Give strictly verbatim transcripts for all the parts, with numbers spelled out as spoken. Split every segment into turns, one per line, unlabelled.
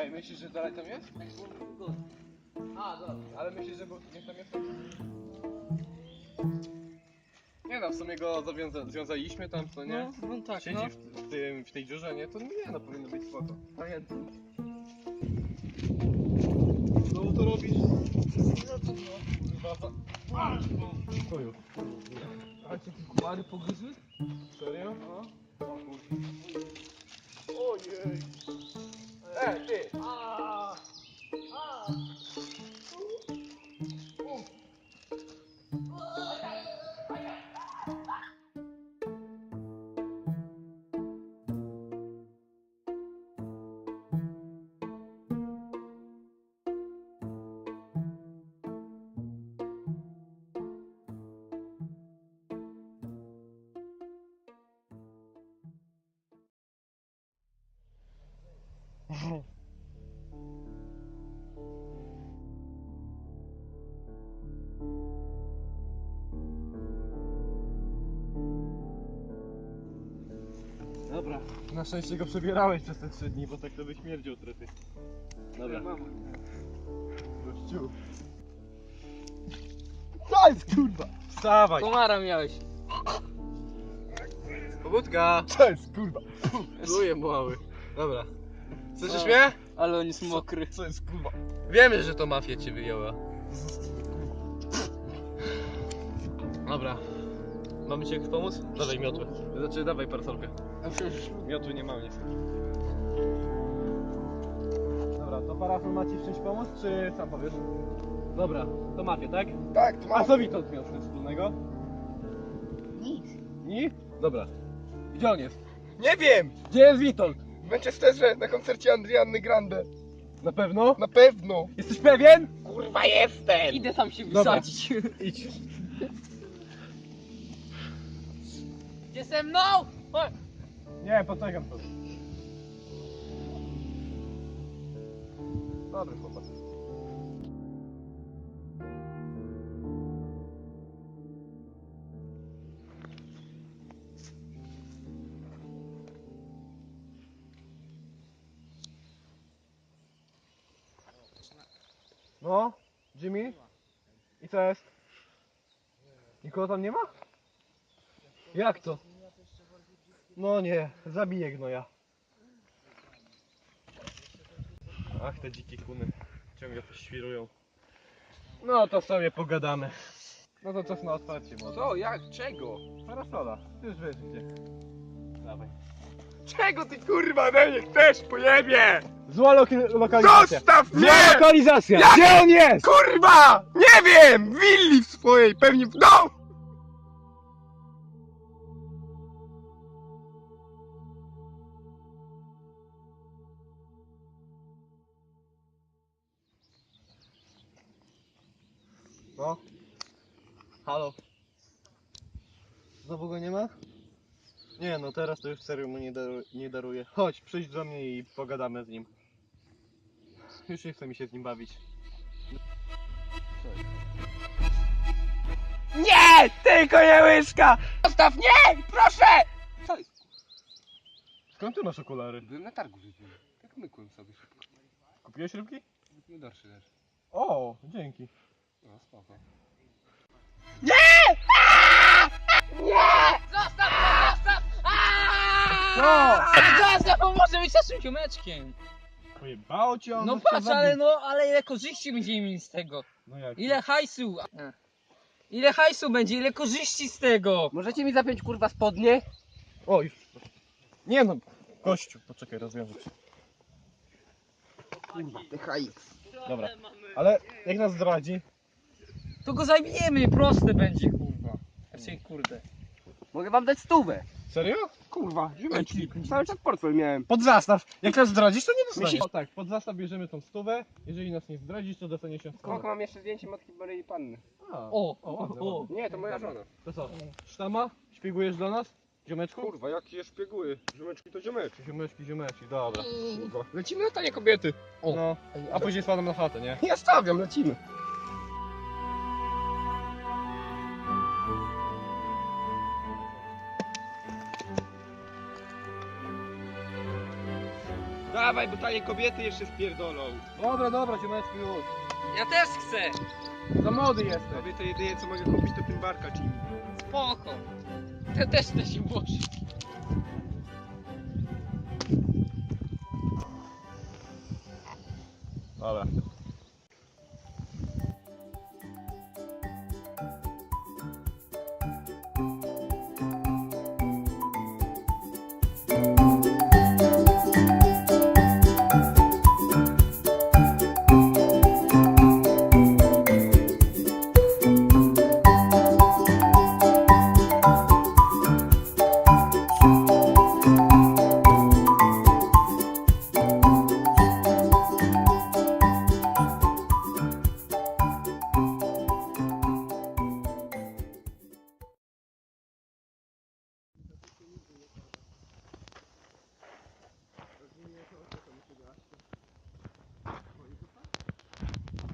Ej, myślisz, że dalej tam jest?
A, dobra.
Ale myślisz, że był, niech tam jest? Nie no, w sumie go zawiąza związaliśmy tam, co nie?
No, no tak,
Siedzi
no.
w, w, tym, w tej dziurze, nie? To nie no, powinno być spoko. Pamiętam. Znowu to robisz?
No to no.
Kurwa, za... Chuju.
A cię te komary pogryzły?
Serio? No. O kurwa. Ojej. Ej, ty!
A, a.
Dobra. Na szczęście go przebierałeś przez te trzy dni, bo tak to by śmierdził trety. Dobra. Gościu. Co jest kurwa? Wstawaj!
Komara miałeś.
Pobudka!
Co jest kurwa?
Czuję mały. Dobra. Słyszysz
O.
mnie?
Ale on jest mokry.
Co jest kurwa?
Wiemy, że to mafia cię wyjęła. Dobra. Mamy ci jakoś pomóc? Dawaj miotłę. Znaczy dawaj parasolkę.
A przecież
Miotły nie mam niestety. Dobra, to parasol ma ci w czymś pomóc, czy sam powiesz? Dobra, to mafia, tak?
Tak, to
A
ma...
co Witold miał z tym wspólnego?
nic.
Ni? Dobra. Gdzie on jest?
Nie wiem!
Gdzie jest Witold?
W Manchesterze na koncercie Adrianny Grande.
Na pewno?
Na pewno!
Jesteś pewien?
Kurwa jestem!
Idę tam się
Dobra.
wysadzić.
Idź.
Gdzie ze mną? Chodź.
Nie, poczekam sobie. Dobry chłopak. No, Jimmy? I co jest? Nikogo tam nie ma? Jak to? No nie, zabiję gnoja. Ach, te dzikie kuny ciągle poświrują. No to sobie pogadamy. No to czas na otwarcie może.
Co? Jak? Czego?
Parasola, ty już wiesz gdzie. Dawaj.
Czego ty kurwa we mnie chcesz, pojebie?
Zła loki- lokalizacja.
Zostaw
Zła
mnie!
lokalizacja!
Jak?
Gdzie on jest?
Kurwa! Nie wiem! W willi w swojej, pewnie w domu!
No. Halo. Znowu go nie ma? Nie no, teraz to już serio mu nie, daru nie daruję. Chodź, przyjdź do mnie i pogadamy z nim. Już nie chce mi się z nim bawić.
Nie! Tylko nie łyżka! Zostaw! Nie! Proszę! Co jest?
Skąd ty masz okulary?
Byłem na targu wypiłem. Tak mykłem sobie szybko.
Kupiłeś rybki?
Nie dorszy też.
O, dzięki.
No spoko.
Zostaw go, zostaw!
Co?
Zostaw, bo może być naszym ziomeczkiem.
Pojebało cię on?
No
chce
patrz,
zabić.
ale no, ale ile korzyści będziemy mieli z tego?
No jak?
Ile hajsu? Ile hajsu będzie, ile korzyści z tego?
Możecie mi zapiąć kurwa spodnie?
O, już. Nie no, gościu, poczekaj, rozwiążę cię.
Kurwa, T H X.
Dobra, ale jak nas zdradzi?
To go zajmiemy, proste będzie, kurwa. Znaczy, kurde.
Mogę wam dać stówę.
Serio?
Kurwa, ziomeczki. Cały czas portfel miałem.
Pod zastaw. Jak nas zdradzisz, to nie dostaniesz.
Myślisz-
O tak, pod zastaw bierzemy tą stówę. Jeżeli nas nie zdradzisz, to dostaniesz się stówę.
mam jeszcze zdjęcie matki Borei Panny.
A,
O,
o, ładne,
o,
ładne.
Nie, to moja żona.
To co? Sztama? Śpigujesz do nas? Ziomeczku?
Kurwa, jakie szpieguły. Ziomeczki to ziomeczki.
Ziomeczki, ziomeczki, dobra.
Kurwa. Lecimy na tanie kobiety.
O.
No, a później spadam na chatę, nie?
Ja stawiam, lecimy. Dawaj, bo tanie kobiety jeszcze spierdolą.
Dobra, dobra, ciomeczku już.
Ja też chcę.
Za młody jesteś.
Tobie to jedynie co mogę kupić to tym barka Jimmy.
Spoko. Ja też chcę się włożyć.
Dobra.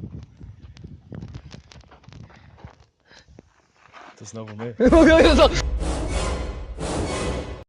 To znowu my.